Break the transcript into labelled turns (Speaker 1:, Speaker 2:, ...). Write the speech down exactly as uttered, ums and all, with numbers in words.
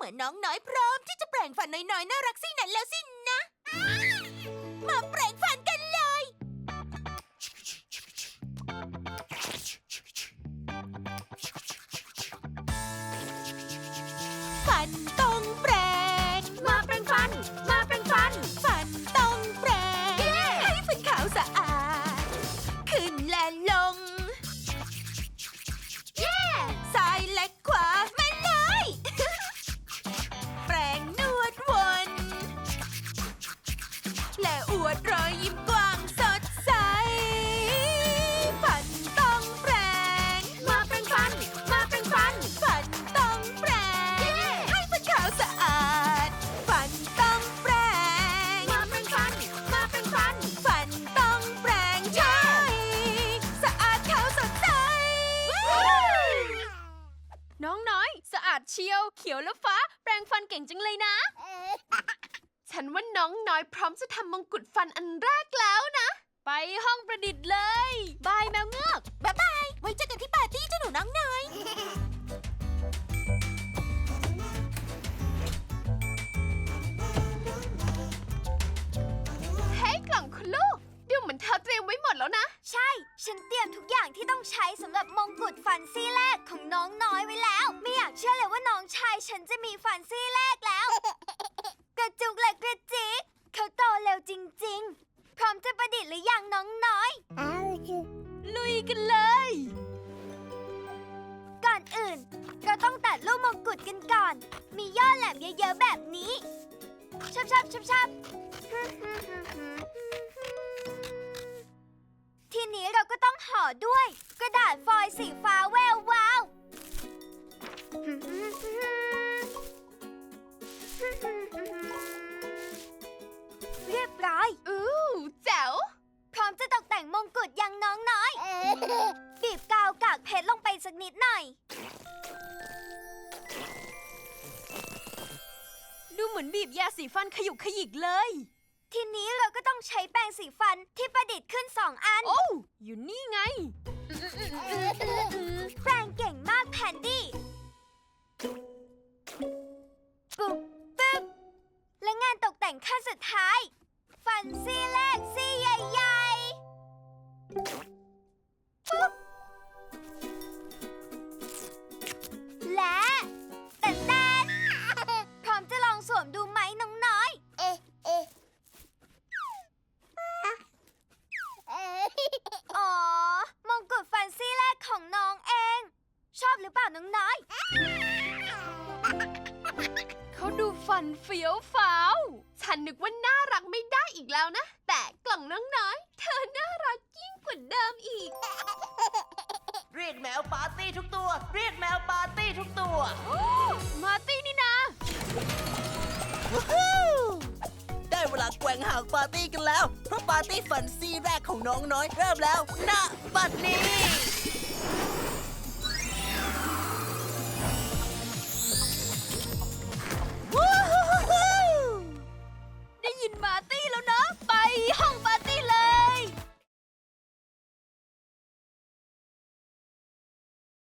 Speaker 1: น้องน้อยพร้อมที่จะแปลงฟันน้อยๆน่ารักสินั้นแล้วสินะ มาแปลงฟันกันเลย ฟันต้องแปลง
Speaker 2: มาแปรงฟัน มาแปรงฟัน
Speaker 1: ฟันต้องแปลง ให้ฟันขาวสะอาด ขึ้นและลง
Speaker 2: เย้
Speaker 1: ซ้ายและขวามาเลย แปรงนวดวน และอวดรอยยิ้มกว้างสดใส ฟันต้องแปรง
Speaker 2: มาแปรงฟัน มาแปรงฟัน
Speaker 1: ฟันต้องแปรง ให้ฟันขาวสะอาด ฟันต้องแปรง
Speaker 2: มาแปรงฟัน มาแปรงฟัน
Speaker 1: ฟันต้องแปรงใช่สะอาดขาวสดใส
Speaker 2: น้องน้อย สะอาดเชียว เขียวและฟ้า แปรงฟันเก่งจังเลยนะ ฉันว่าน้องน้อยพร้อมจะทำมงกุฎฟันอันแรกแล้วนะ ไปห้องประดิษฐ์เลย บายแมวเงือก
Speaker 1: บ๊ายบาย ไว้เจอกันที่ปาร์ตี้เจ้าหนูน้องน้อย
Speaker 2: เฮ้ยกล่องคุณลูกดูเหมือนเธอเตรียมไว้หมดแล้วนะ
Speaker 3: ใช่ ฉันเตรียมทุกอย่างที่ต้องใช้สำหรับมงกุฎฟันซี่แรกของน้องน้อยไว้แล้ว ไม่อยากเชื่อเลยว่าน้องชายฉันจะมีฟันซี่แรกแล้ว กระจุกและกระจิกเขาโตเร็วจริงๆ พร้อมจะประดิษฐ์หรือยังน้องน้อย
Speaker 2: ลุยกันเลย
Speaker 3: ก่อนอื่น เราต้องตัดลูกมงกุฎกันก่อน มียอดแหลมเยอะๆแบบนี้ชับชับชับชับทีนี้เราก็ต้องห่อด้วย กระดาษฟอยล์สีฟ้าแวววาว เรียบร้อย
Speaker 2: อู้แจ๋ว
Speaker 3: พร้อมจะตกแต่งมงกุฎยังน้องน้อย บีบกาวกากเพชรลงไปสักนิดหน่อย
Speaker 2: ดูเหมือนบีบยาสีฟันขยุกขยิกเลย
Speaker 3: ทีนี้เราก็ต้องใช้แปรงสีฟันที่ประดิษฐ์ขึ้นสองอัน
Speaker 2: โอ้วอยู่นี่ไง
Speaker 3: แปรงเก่งมากแพนดี้ ปุ๊บปึ๊บ และงานตกแต่งขั้นสุดท้าย ฟันซี่แรกซี่ใหญ่ๆ ปุ๊บ และแตนแตนพร้อมจะลองสวมดูไหมน้องน้อย เอ๊ะเอ๊ะอ๋อ มงกุฎฟันซี่แรกของน้องเอง ชอบหรือเปล่าน้องน้อย
Speaker 2: เขาดูฟันเฟี้ยวฟ้าว ฉันนึกว่าน่ารักไม่ได้อีกแล้วนะ แต่กล่องน้องน้อย เธอน่ารักยิ่งกว่าเดิมอีก
Speaker 1: เรียกแมวปาร์ตี้ทุกตัว เรียกแมวปาร์ตี้ทุกตัว
Speaker 2: มาร์ตี้นี่นะ
Speaker 1: ได้เวลาแกว่งหางปาร์ตี้กันแล้ว เพราะปาร์ตี้ฟันซี่แรกของน้องน้อยเริ่มแล้วณบัดนี้